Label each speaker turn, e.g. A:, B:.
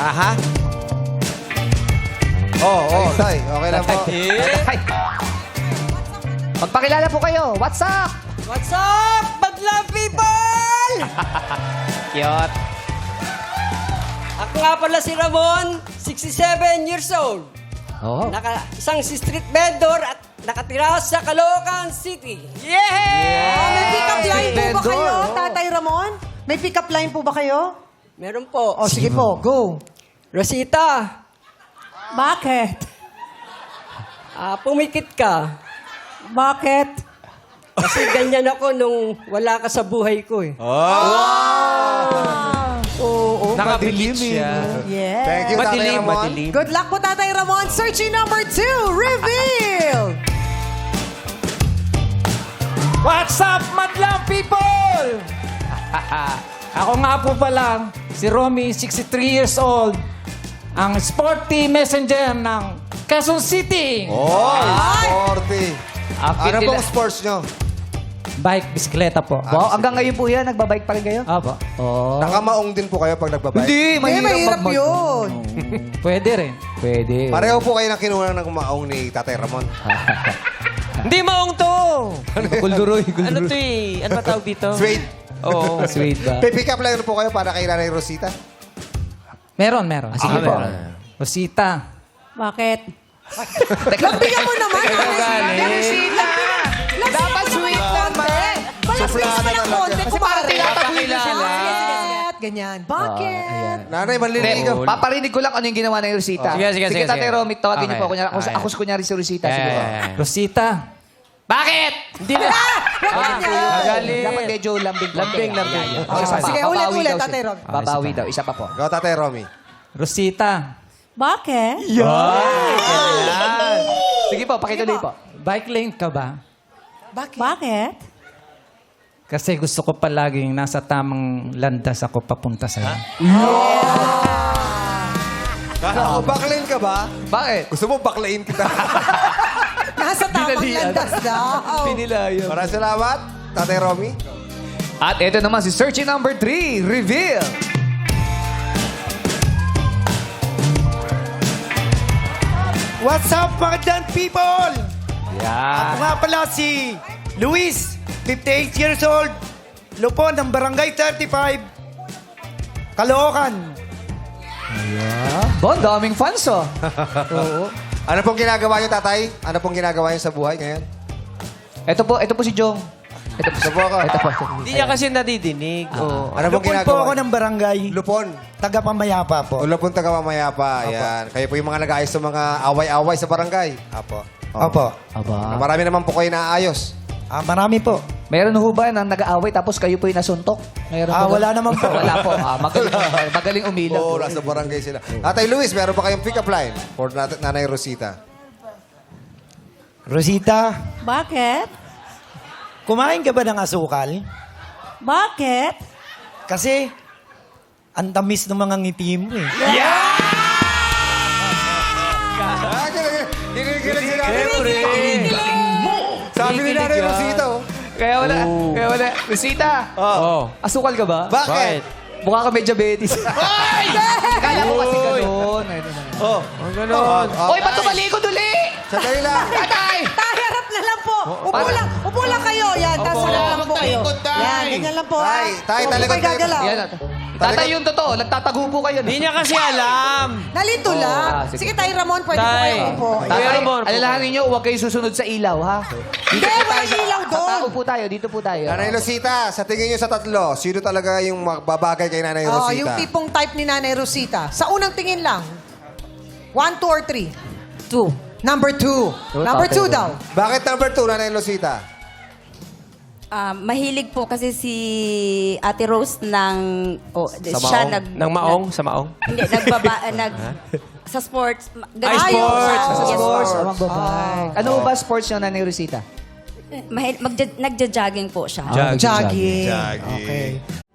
A: Aha.
B: Tay. Okay lang po.
C: Ay. Magpakilala po kayo. What's up?
D: What's up, Badlang people?
C: Cute.
D: Ako nga pala si Ramon, 67 years old.
C: Oh.
D: Isang street vendor at nakatira sa Caloocan City.
E: May pick-up line po ba
C: Vendor,
E: kayo,
C: oh.
E: Tatay Ramon? May pick-up line po ba kayo?
D: Meron po.
E: O, sige po, go.
D: Rosita,
E: Bakit?
D: pumikit ka.
E: Bakit?
D: Kasi ganyan ako nung wala ka sa buhay ko eh.
E: Oo.
A: Nakabilib siya.
E: Yes.
B: Thank you, Tatay
A: Madilim,
B: Ramon.
A: madilim.
E: Good luck po, Tatay Ramon. Searching number 2, reveal!
F: What's up, madlang people? Ako nga po pala, si Romy, 63 years old, ang sporty messenger ng Quezon City.
B: Sporty. Ano
C: nila-
B: pong sports nyo?
F: Bike, bisikleta po.
C: Wow, hanggang ngayon po yan, nagbabike pa rin kayo?
F: Apo.
C: Oh.
B: Nakamaong din po kayo pag nagbabike?
C: Hindi,
E: Mahirap yun.
F: Pwede rin.
C: Pwede.
B: Pareho po kayo ng kinuha ng maong ni Tatay Ramon.
A: Hindi maong to.
C: Gulduroy,
A: Ano to eh? Ano ba tawag dito?
B: Sweet.
A: Oo.
C: Sweet ba?
B: Pick up line po kayo para kay Nanay Rosita.
F: Meron.
C: Sige po.
F: Rosita.
E: Bakit? Lagbigyan mo naman.
C: Dapat sweet naman.
E: Palagpig naman ng konti.
C: Kasi para tinataboy na sila.
E: Bakit? Ganyan. Bakit?
B: Nanay, manliligaw.
C: Paparinig ko lang ano yung ginawa ng Rosita.
A: Sige,
C: Tatay
A: sige.
C: Romy, tawagin niyo
A: Okay.
C: po. Kunyari, ako kunyari si Rosita. Sige po.
F: Rosita.
A: Bakit? Hindi na. Magaling.
C: Dapat medyo lambing.
A: Lambing.
E: Sige, ulit, Tatay Romy.
C: Babawi daw. Isa pa po.
B: Go, Tatay Romy.
F: Rosita.
E: Bakit?
C: Sige po, pakituloy po.
F: Bike lane ka ba?
E: Bakit?
F: Kasi gusto ko palaging nasa tamang landas ako papunta sa'yo.
B: Kala ko, backlane ka ba?
C: Bakit?
B: Gusto mo backlane kita?
E: Nasa tamang landas daw.
C: Pinilayo.
B: Maraming salamat, Tatay Romy.
C: At ito naman si searching number 3, reveal.
G: What's up, magandang people? Ako
C: Yeah.
G: nga pala si Luis, 58 years old, Lupon ng Barangay 35, Caloocan.
C: Bon, daming fans oh.
B: Ano pong ginagawa niyo, Tatay? Ano pong ginagawa niyo sa buhay ngayon?
C: Ito po si Jong. Ito po.
B: Ito po ako.
C: Ito po.
A: Hindi niya kasi nadidinig. Oo.
B: Ano pong
G: Lupon po
B: ginagawa?
G: ako ng barangay,
B: Lupon.
G: taga-pamayapa po.
B: Ulo pong taga-mamayapa. Yan. Kayo po yung mga nag-aayos sa mga away-away sa barangay. Apo.
G: Opo.
C: Aba.
B: Marami naman po kayo naayos.
G: Marami po.
C: Meron ho ba na nag-aaway tapos kayo po yung nasuntok? Meron po ba?
G: Wala naman po.
C: Wala po. Magaling umilag.
B: Oo, nasa barangay sila. Tatay Luis, meron pa kayong pick-up line for Nanay Rosita.
G: Rosita,
E: Bakit?
G: kumain ka ba ng asukal?
E: Bakit?
G: Kasi, ang tamis ng mga ngiti mo eh.
B: Kinikilig sila. Sabi ni Nanay Rosita, oh.
C: Kaya wala. Rosita,
A: Oo.
C: asukal ka ba?
B: Bakit?
C: Mukha ka may diabetes. Kala ko kasi ganun.
B: Oh.
A: Ang ganon.
C: Hoy, ba't tumalikod uli?
B: Sandali lang.
C: Tatay!
E: Harap na lang po. Upo lang kayo. Yan, tapos harap lang po kayo. Yan, ganyan lang po.
B: Tay, tay,
E: Huwag
B: talikod
E: kayo gagalaw.
C: Yan. Tatay, yung totoo. Nagtatago po kayo.
A: Hindi niya kasi alam.
E: Nalito lang.
C: sige.
E: Sige, Tay Ramon, pwede po
A: Tay.
E: kayo upo.
C: Tatay,
A: Kuya Ramon,
C: alalahanin nyo, huwag kayo susunod sa ilaw, ha?
E: Hindi, walang ilaw doon.
C: Tao po tayo, dito po tayo.
B: Nanay Rosita, sa tingin niyo sa tatlo, sino talaga yung magbabagay kay Nanay
E: Oh,
B: Rosita?
E: yung tipong type ni Nanay Rosita. Sa unang tingin lang. 1, 2, or 3? 2. Number 2. Number 2 daw.
B: Bakit number 2, Nanay Rosita?
H: Mahilig po kasi si Ate Rose ng siya
A: Nang maong? Sa maong?
H: hindi sa sports.
A: Ay, sports!
H: Sa
A: Sa
H: sports.
C: Ano ba sports yung Nanay Rosita?
H: Nagja-jogging po siya.
E: Jogging. Okay.